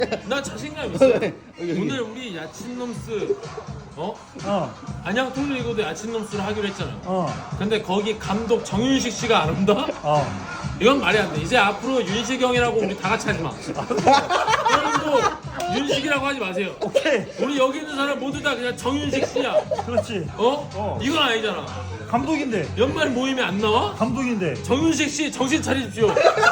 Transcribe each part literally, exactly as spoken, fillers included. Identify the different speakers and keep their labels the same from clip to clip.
Speaker 1: 나 자신감 있어. 오늘 우리 야친놈스 어?
Speaker 2: 어,
Speaker 1: 안양 통일이고도 야친놈스를 하기로 했잖아.
Speaker 2: 어,
Speaker 1: 근데 거기 감독 정윤식 씨가 안 온다?
Speaker 2: 어.
Speaker 1: 이건 말이 안 돼. 이제 앞으로 윤식이 형이라고 우리 다 같이 하지 마. 형도 윤식이라고 하지 마세요.
Speaker 2: 오케이.
Speaker 1: 우리 여기 있는 사람 모두 다 그냥 정윤식 씨야.
Speaker 2: 그렇지.
Speaker 1: 어?
Speaker 2: 어.
Speaker 1: 이건 아니잖아.
Speaker 2: 감독인데.
Speaker 1: 연말 모임에 안 나와?
Speaker 2: 감독인데.
Speaker 1: 정윤식 씨 정신 차리십시오.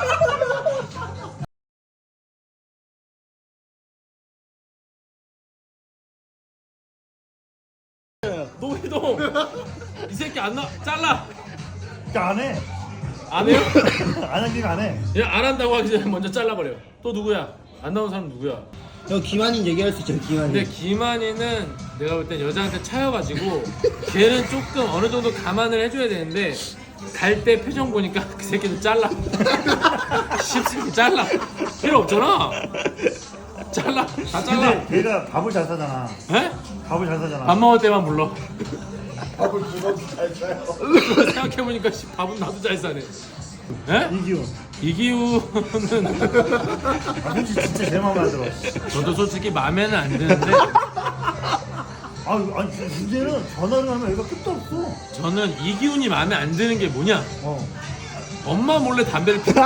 Speaker 1: 노희동 이 새끼 안 나. 잘라.
Speaker 2: 그러니까 안 해.
Speaker 1: 안 해요?
Speaker 2: 안 하기가 안 해.
Speaker 1: 그냥 안 한다고 하기 전에 먼저 잘라버려. 또 누구야? 안 나온 사람 누구야?
Speaker 3: 저 김한인 얘기할 수 있죠, 김한인.
Speaker 1: 근데 김한이는 내가 볼 땐 여자한테 차여가지고 걔는 조금 어느 정도 감안을 해줘야 되는데 갈 때 표정 보니까 그 새끼는 잘라. 십새끼 잘라. 필요 없잖아. 잘라. 다 잘라.
Speaker 2: 근데 걔가 밥을 잘 사잖아.
Speaker 1: 에?
Speaker 2: 밥을 잘 사잖아.
Speaker 1: 밥 먹을 때만 불러.
Speaker 4: 밥을 주워도 잘 사요.
Speaker 1: 생각해보니까 씨, 밥은 나도 잘 사네. 에?
Speaker 2: 이기훈.
Speaker 1: 이기우는
Speaker 2: 아, 솔직히 진짜 제 마음에 안 들어.
Speaker 1: 저도 솔직히 마음에는 안 드는데
Speaker 2: 아, 아니 문제는 전화를 하면 얘가 끝도 없어.
Speaker 1: 저는 이기훈이 마음에 안 드는 게 뭐냐?
Speaker 2: 어.
Speaker 1: 엄마 몰래 담배를 피우는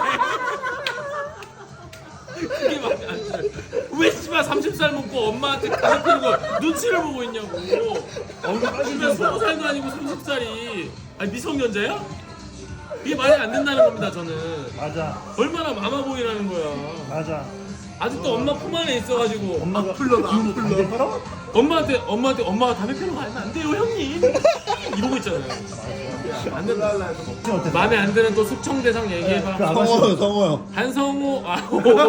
Speaker 1: 그게 마음에 안 들어요. 왜 씨발 삼십 살 먹고 엄마한테 담배 피우는 거 눈치를 보고 있냐고. 집에 스무 살도 아니고 삼십 살이 아니 미성년자야? 이게 말이 안 된다는 겁니다 저는.
Speaker 2: 맞아.
Speaker 1: 얼마나 마마보이라는 거야.
Speaker 2: 맞아.
Speaker 1: 아직도 엄마 품 안에 있어가지고
Speaker 2: 엄마가
Speaker 4: 풀러다, 안 풀러.
Speaker 2: 담배 팔아?
Speaker 1: 엄마한테 엄마한테 엄마가 담배 피우는 거 알면 안 돼요 형님 이러고 있잖아요. 안 된다.
Speaker 2: 어때?
Speaker 1: 마음에 안 드는 또 숙청 대상 얘기해봐.
Speaker 2: 그 아가씨.
Speaker 3: 성호, 성호.
Speaker 1: 한성우 아.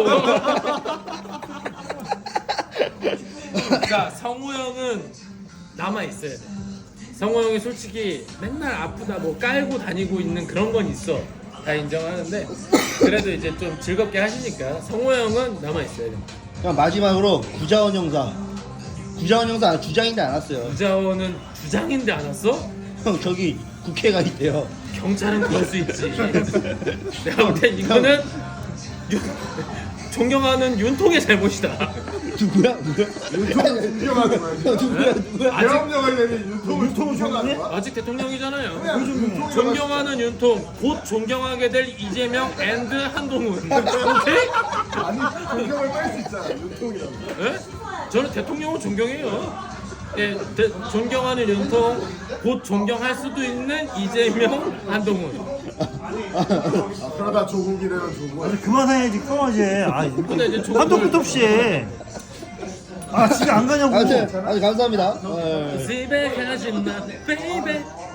Speaker 1: 자 성우 형은 남아 있어야 돼. 성우 형이 솔직히 맨날 아프다 뭐 깔고 다니고 있는 그런 건 있어. 다 인정하는데 그래도 이제 좀 즐겁게 하시니까 성우 형은 남아 있어야 돼.
Speaker 3: 그럼 마지막으로 구자원 형사. 구자원 형사 주장인데 안 왔어요.
Speaker 1: 부자원은 주장인데 안 왔어?
Speaker 3: 형 저기 국회가 있대요.
Speaker 1: 경찰은 그럴 수 있지. 내가 볼 땐 이거는 윤, 존경하는 윤통의 잘못이다.
Speaker 3: 누구야? 누구야?
Speaker 4: 윤통을 존경하는 거야. 지금.
Speaker 3: 누구야? 누구야?
Speaker 1: 아직
Speaker 4: 대통령이 되면 윤통을
Speaker 2: 윤통을
Speaker 4: 존경하는
Speaker 2: 존경해?
Speaker 4: 거야?
Speaker 1: 아직 대통령이잖아요.
Speaker 4: 그냥 윤통이
Speaker 1: 존경하는 윤통, 곧 존경하게 될 이재명 앤드 한동훈. 오케이?
Speaker 4: 아니 존경을 뺄 수 있잖아. 윤통이라고.
Speaker 1: 예? 저는 대통령을 존경해요. 예, 대, 존경하는 윤통, 곧 존경할 수도 있는 이재명, 한동훈.
Speaker 4: 아, 그러다 조국이 되면 조국.
Speaker 2: 아니 그만해야지 그만하지. 아,
Speaker 1: 근데 이제 조금-
Speaker 2: 한도 끝도 없이 해. 아 집에 안 가냐고.
Speaker 3: 아무튼 아주 감사합니다. 어,
Speaker 1: 집에 가지 마, 베이베.